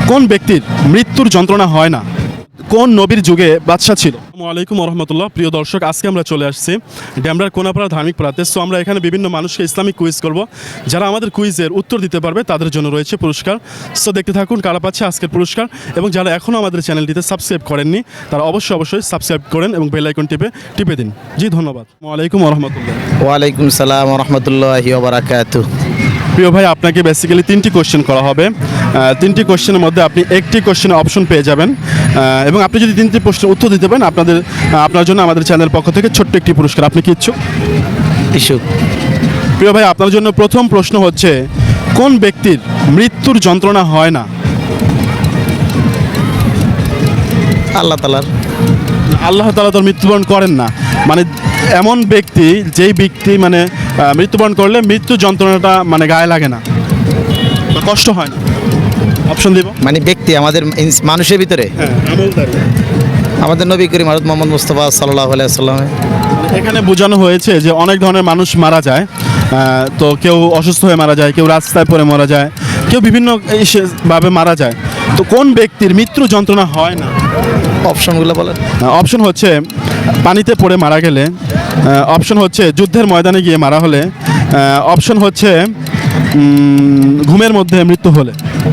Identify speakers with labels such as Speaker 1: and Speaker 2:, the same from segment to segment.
Speaker 1: কোন ব্যক্তির মৃত্যুর যন্ত্রণা হয় না? কোন নবীর যুগে বাদশা ছিল? আসসালামু আলাইকুম রহমতুল্লাহ। প্রিয় দর্শক, আজকে আমরা চলে আসছি ড্যামরার কোনাপাড়া ধার্মিক পাড়াতে। সো আমরা এখানে বিভিন্ন মানুষকে ইসলামিক কুইজ করব। যারা আমাদের কুইজের উত্তর দিতে পারবে তাদের জন্য রয়েছে পুরস্কার। সো দেখতে থাকুন কারা পাচ্ছে আজকের পুরস্কার। এবং যারা এখনও আমাদের চ্যানেলটিতে সাবস্ক্রাইব করেননি তারা অবশ্যই সাবস্ক্রাইব করেন এবং বেল আইকন টিপে দিন। জি ধন্যবাদ। আসসালামু আলাইকুম রহমতুল্লাহ।
Speaker 2: ওয়ালাইকুম সালাম রহমতুল্লাহি ওয়া বারাকাতুহু।
Speaker 1: প্রিয় ভাই, আপনাকে বেসিক্যালি তিনটি কোশ্চেন করা হবে। তিনটি কোশ্চেনের মধ্যে আপনি একটি কোশ্চেনের অপশন পেয়ে যাবেন এবং আপনি যদি তিনটি প্রশ্নের উত্তর দিতে পারেন আপনার জন্য আমাদের চ্যানেলের পক্ষ থেকে ছোট্ট একটি পুরস্কার। আপনি কি ইচ্ছুক?
Speaker 2: ইস্যু
Speaker 1: প্রিয় ভাই, আপনার জন্য প্রথম প্রশ্ন হচ্ছে, কোন ব্যক্তির মৃত্যুর যন্ত্রণা হয় না?
Speaker 2: আল্লাহ তাআলার।
Speaker 1: আল্লাহ তাআলা তো মৃত্যুবরণ করেন না, মানে এমন ব্যক্তি যেই ব্যক্তি মানে মৃত্যুবরণ করলে মৃত্যু যন্ত্রণাটা মানে গায়ে লাগে না বা কষ্ট হয় না। অপশন দিব?
Speaker 2: মানে ব্যক্তি আমাদের মানুষের ভিতরে
Speaker 1: হ্যাঁ, আমলদার।
Speaker 2: আমাদের নবী করিম হযরত মুহাম্মদ মুস্তাফা সাল্লাল্লাহু আলাইহি ওয়াসাল্লাম।
Speaker 1: এখানে বোঝানো হয়েছে যে অনেক ধরনের মানুষ মারা যায়। তো কেউ অসুস্থ হয়ে মারা যায়, কেউ রাস্তায় পড়ে মারা যায়, কেউ বিভিন্ন ভাবে মারা যায়। তো কোন ব্যক্তির মৃত্যু যন্ত্রণা হয় না?
Speaker 2: অপশনগুলো বলেন।
Speaker 1: অপশন হচ্ছে পানিতে পড়ে মারা গেলে, অপশন হচ্ছে যুদ্ধের ময়দানে গিয়ে মারা হলে, অপশন হচ্ছে ঘুমের মধ্যে মৃত্যু হলে।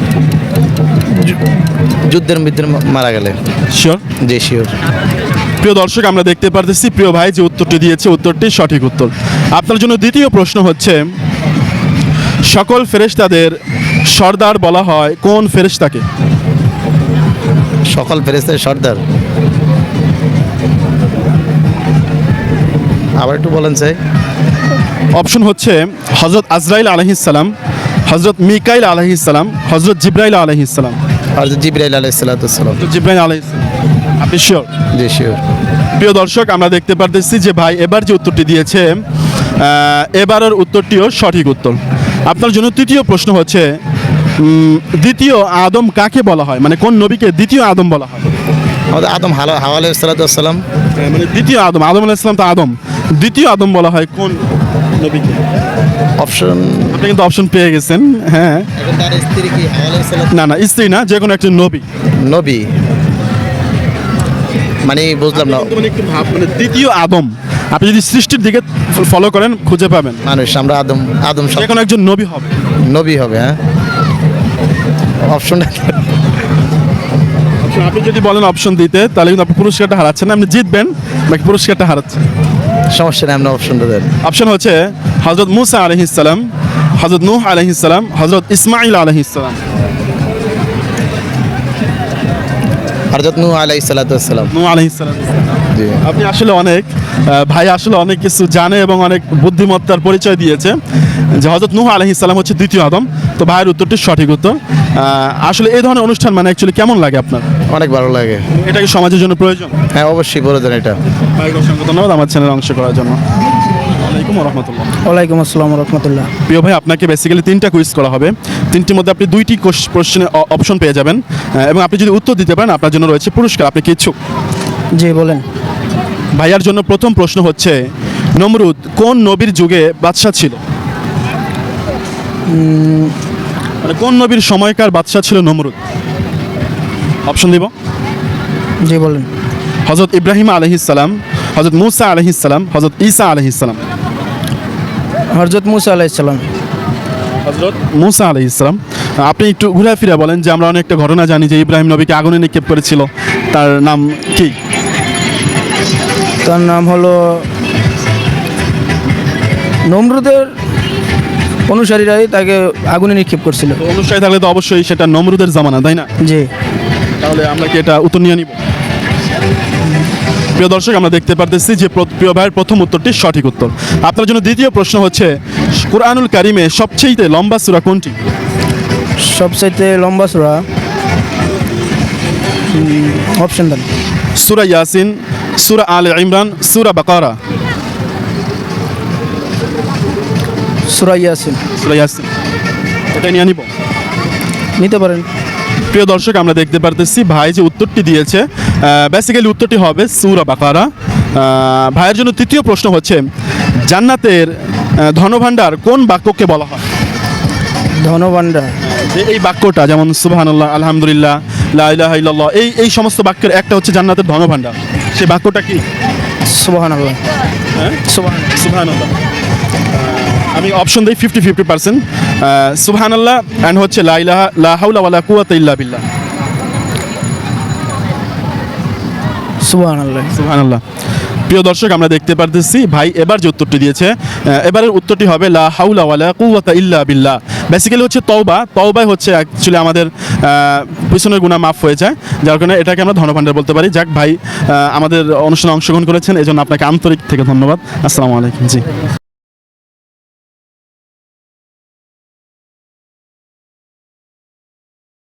Speaker 2: যুদ্ধের মধ্যে মারা গেলে।
Speaker 1: শিওর?
Speaker 2: জি শিওর।
Speaker 1: প্রিয় দর্শক, আমরা দেখতে পারতেছি প্রিয় ভাই যে উত্তরটি দিয়েছে উত্তরটি সঠিক উত্তর। আপনার জন্য দ্বিতীয় প্রশ্ন হচ্ছে, সকল ফেরেশতাদের সর্দার বলা হয় কোন ফেরেশতাকে?
Speaker 2: সকল ফেরেশতার সর্দার, আবার একটু বলেন চাই।
Speaker 1: অপশন হচ্ছে হযরত আজরাইল আলাইহিস সালাম, হযরত মিকাইল আলাইহিস সালাম, হযরত জিবরাইল আলাইহিস সালাম।
Speaker 2: হযরত জিবরাইল আলাইহিস সালাতু ওয়াস সালাম।
Speaker 1: জিবরাইল আলাইহিস সালাম। আপনি শিওর?
Speaker 2: জি শিওর।
Speaker 1: প্রিয় দর্শক, আমরা দেখতে পারতেছি যে ভাই এবার যে উত্তরটি দিয়েছে এবারের উত্তরটিও সঠিক উত্তর। আপনার জন্য তৃতীয় প্রশ্ন হচ্ছে, দ্বিতীয় আদম কাকে বলা হয়, মানে কোন নবীকে দ্বিতীয় আদম বলা হয়?
Speaker 2: আমাদের আদম হাওয়া আলাইহিস সালাতু ওয়াস সালাম।
Speaker 1: মানে দ্বিতীয় আদম, আদম আলাইহিস সালাম তো আদম, দ্বিতীয় আদম বলা হয় কোন নবীকে?
Speaker 2: অপশন,
Speaker 1: আপনি কিন্তু অপশন পেয়ে গেছেন। হ্যাঁ,
Speaker 2: এখন তার স্ত্রী কি হাওয়া আলাইহিস সালাম?
Speaker 1: না, স্ত্রী না, যে কোনো একটা নবী।
Speaker 2: নবী মানে বুঝলাম না।
Speaker 1: মানে একটু ভাব, মানে দ্বিতীয় আদম আপনি যদি সৃষ্টির দিকে ফলো করেন খুঁজে পাবেন।
Speaker 2: মানুষ আমরা আদম
Speaker 1: যে কোনো একজন নবী হবে।
Speaker 2: নবী হবে। হ্যাঁ, অপশনটা
Speaker 1: আপনি যদি বলেন অপশন দিতে, তাহলে কিন্তু আপনি পুরস্কারটা হারাচ্ছেন না, আপনি জিতবেন নাকি পুরস্কারটা হারাচ্ছেন?
Speaker 2: সমস্যা নেই, আপনি অপশনটা দেন।
Speaker 1: অপশন হচ্ছে হযরত মুসা আলাইহিস সালাম, হযরত নূহ আলাইহিস সালাম, হযরত ইসমাঈল আলাইহিস সালাম।
Speaker 2: হযরত নূহ আলাইহিস সালাতু ওয়াস সালাম।
Speaker 1: নূহ আলাইহিস সালাম।
Speaker 2: জি।
Speaker 1: আপনি আসলে ভাই আসলে অনেক কিছু জানে এবং অনেক বুদ্ধিমত্তার পরিচয় দিয়েছে যে হযরত নূহ আলাইহিস সালাম হচ্ছে দ্বিতীয় আদম। তো ভাইয়ের উত্তরটি সঠিক উত্তর। আসলে এই ধরনের অনুষ্ঠান মানে অ্যাকচুয়ালি কেমন লাগে আপনার?
Speaker 2: অনেক ভালো লাগে।
Speaker 1: এটা কি সমাজের জন্য প্রয়োজন?
Speaker 2: হ্যাঁ অবশ্যই প্রয়োজন এটা।
Speaker 1: ভাইকে অসংখ্য ধন্যবাদ আমার চ্যানেলে অংশ করার জন্য। আসসালামু আলাইকুম রহমতুল্লাহ।
Speaker 3: ওয়ালাইকুম আসসালাম রহমতুল্লাহ।
Speaker 1: প্রিয় ভাই, আপনাকে বেসিক্যালি তিনটা কুইজ করা হবে। তিনটির মধ্যে আপনি দুইটি প্রশ্নের অপশন পেয়ে যাবেন এবং আপনি যদি উত্তর দিতে পারেন আপনার জন্য রয়েছে পুরস্কার। আপনি কি ইচ্ছুক?
Speaker 3: জি বলেন।
Speaker 1: ভাইয়ার জন্য প্রথম প্রশ্ন হচ্ছে, নমরুদ কোন নবীর যুগে বাদশা ছিল? মানে কোন নবীর সময়কার বাদশা ছিল নমরুদ? অপশন দিব?
Speaker 3: জি বলেন।
Speaker 1: হযরত ইব্রাহিম আলাইহিস সালাম, হযরত মুসা আলাইহিস সালাম, হযরত ঈসা আলাইহিস সালাম।
Speaker 3: হযরত মুসা আলাইহিস সালাম।
Speaker 1: হযরত মুসা আলাইহিস সালাম। আপনি একটু ঘুরে ফিরে বলেন যে আমরা অনেকটা ঘটনা জানি যে ইব্রাহিম নবীকে আগুনে নিক্ষেপ করেছিল, তার নাম কি?
Speaker 3: তার নাম হলো, নমরুদের অনুসারীরাই তাকে আগুনে নিক্ষেপ করছিল।
Speaker 1: তো অনুসারী থাকলে তো অবশ্যই সেটা নমরুদের জামানা, তাই না?
Speaker 3: জি।
Speaker 1: তাহলে আমরা কি এটা উত্তর নিয়ে নিব? প্রিয় দর্শক, আমরা দেখতে পারতেছি যে প্রিয় ভাইয়ের প্রথম উত্তরটি সঠিক উত্তর। আপনার জন্য দ্বিতীয় প্রশ্ন হচ্ছে, কুরআনুল কারিমে সবচেয়ে লম্বা সূরা কোনটি?
Speaker 3: সবচাইতে লম্বা সূরা, অপশন দেন।
Speaker 1: সূরা ইয়াসিন, সূরা আলে ইমরান, সূরা বাকারা।
Speaker 3: সূরা ইয়াসিন।
Speaker 1: সূরা ইয়াসিন, এটা নিয়ে নিব?
Speaker 3: নিতে পারেন।
Speaker 1: প্রিয় দর্শক, আমরা দেখতে পারতেছি ভাই যে উত্তরটি দিয়েছে বেসিক্যালি উত্তরটি হবে সূরা বাকারা। ভাইয়ের জন্য তৃতীয় প্রশ্ন হচ্ছে, জান্নাতের ধনভাণ্ডার কোন বাক্যকে বলা হয়?
Speaker 3: ধনভাণ্ডার।
Speaker 1: যে এই বাক্যটা যেমন সুবহানাল্লাহ, আলহামদুলিল্লাহ, লা ইলাহা ইল্লাল্লাহ, এই সমস্ত বাক্যের একটা হচ্ছে জান্নাতের ধনভাণ্ডার। সেই বাক্যটা কি?
Speaker 3: সুবহানাল্লাহ।
Speaker 1: হ্যাঁ,
Speaker 3: সুবহানাল্লাহ।
Speaker 1: সুবহানাল্লাহ। আমি অপশন দিই 50-50%। সুবহানাল্লাহ অ্যান্ড হচ্ছে লা ইলাহা লা হাওলা ওয়ালা কুওয়াতা ইল্লা বিল্লাহ।
Speaker 3: সুবহানাল্লাহ।
Speaker 1: সুবহানাল্লাহ। প্রিয় দর্শক, আমরা দেখতে পারতেছি ভাই এবার যে উত্তরটি দিয়েছে, এবারের উত্তরটি হবে লা হাওলা ওয়ালা কুওয়াতা ইল্লা বিল্লাহ। বেসিক্যালি হচ্ছে তওবা। তওবাই হচ্ছে অ্যাকচুয়ালি আমাদের পিছনের গুনাহ মাফ হয়ে যায়, যার কারণে এটাকে আমরা ধনভাণ্ডার বলতে পারি। যাক ভাই, আমাদের অনুষ্ঠানে অংশগ্রহণ করেছেন, এজন্য আপনাকে আন্তরিক থেকে ধন্যবাদ। আসসালামু আলাইকুম। জি।